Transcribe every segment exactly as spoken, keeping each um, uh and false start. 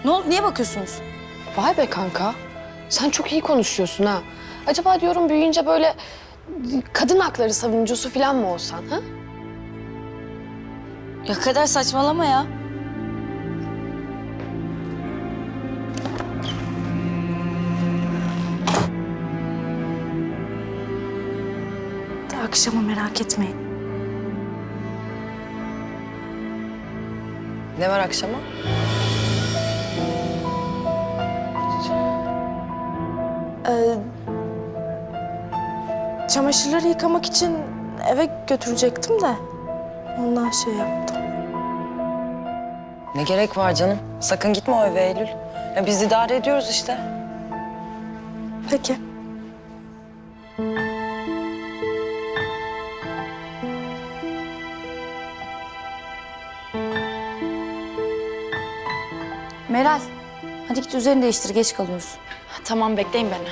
Ne oldu? Niye bakıyorsunuz? Vay be kanka. Sen çok iyi konuşuyorsun ha. Acaba diyorum büyüyünce böyle kadın hakları savunucusu falan mı olsan ha? Ya Kader saçmalama ya. De akşama merak etmeyin. Ne var akşama? Ee, çamaşırları yıkamak için eve götürecektim de ondan şey yaptım. Ne gerek var canım? Sakın gitme o eve Eylül. Ya biz idare ediyoruz işte. Peki. Meral, hadi git üzerini değiştir. Geç kalıyoruz. Tamam, bekleyin beni.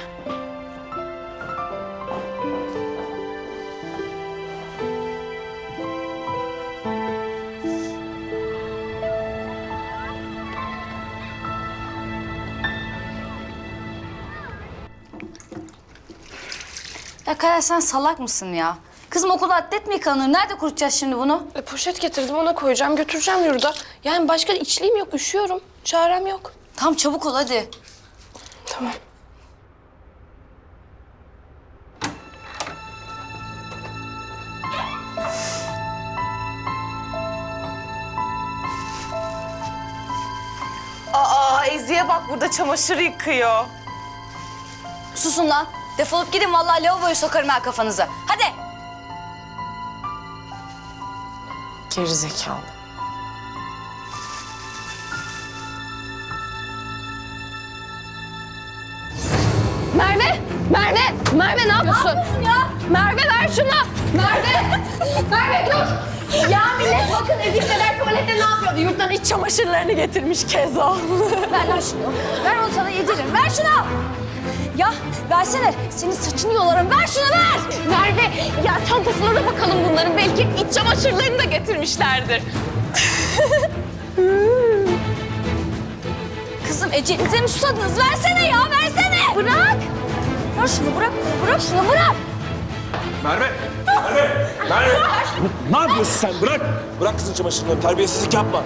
Ya Kader sen salak mısın ya? Kızım okulda atlet mi yıkanır? Nerede kurutacağız şimdi bunu? E, poşet getirdim ona koyacağım götüreceğim yurda. Yani başka içliğim yok üşüyorum. Çarem yok. Tamam çabuk ol hadi. Tamam. Aa, Ezi'ye bak burada çamaşır yıkıyor. Susun lan. Defolup gidin vallahi lavaboyu sokarım ha kafanıza. Hadi. Gerizekalı. Merve! Merve! Merve ne yapıyorsun? Ne yapıyorsun ya? Merve ver şunu! Merve! Merve dur! Ya millet bakın Ezi Kader tuvalette ne yapıyordu? Yurttan iç çamaşırlarını getirmiş Kezo. Ver lan şunu. Ver onu sana yediririm. Ver şunu. Ya versene. Senin saçını yolarım. Ver şunu ver. Merve ya çantasına da bakalım bunların. Belki iç çamaşırlarını da getirmişlerdir. Kızım Ece'nize mi susadınız? Versene ya versene. Bırak. Ver şunu bırak. Bırak şunu bırak. Merve! Merve! Merve! Ne yapıyorsun sen? Bırak! Bırak kızın çamaşırlarını. Terbiyesizlik yapma.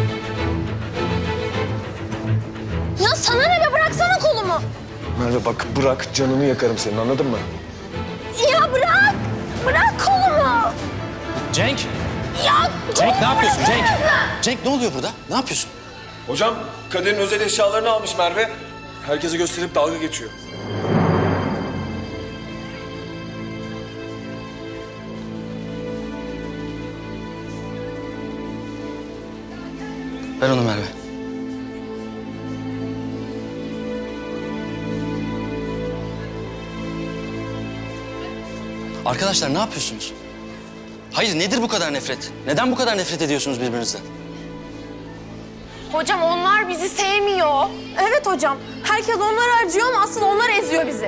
Ya sana ne be? Bıraksana kolumu. Merve bak bırak. Canını yakarım senin anladın mı? Ya bırak. Bırak kolumu. Cenk! Ya Cenk ne yapıyorsun Cenk? Cenk ne oluyor burada? Ne yapıyorsun? Hocam Kader'in özel eşyalarını almış Merve. Herkese gösterip dalga geçiyor. Ver onu Merve. Arkadaşlar ne yapıyorsunuz? Hayır nedir bu kadar nefret? Neden bu kadar nefret ediyorsunuz birbirinizden? Hocam onlar bizi sevmiyor. Evet hocam. Herkes onları acıyor ama asıl onlar eziyor bizi.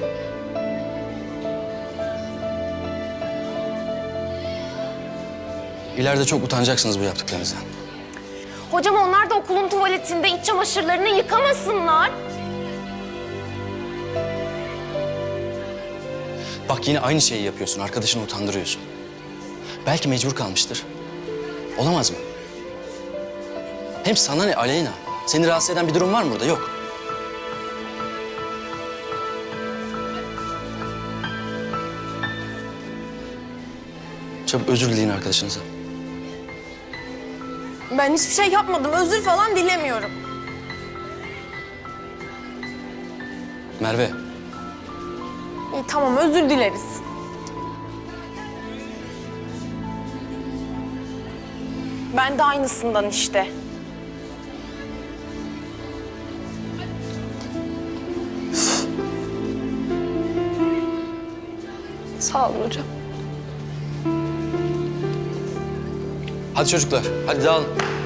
İleride çok utanacaksınız bu yaptıklarınızdan. Hocam onlar da okulun tuvaletinde iç çamaşırlarını yıkamasınlar. Bak yine aynı şeyi yapıyorsun. Arkadaşını utandırıyorsun. Belki mecbur kalmıştır. Olamaz mı? Hem sana ne Aleyna? Seni rahatsız eden bir durum var mı burada? Yok. Çabuk özür dileyin arkadaşınıza. Ben hiçbir şey yapmadım. Özür falan dilemiyorum. Merve, İyi tamam özür dileriz. Ben de aynısından işte. Sağ olun hocam. hadi çocuklar. Hadi dağılın.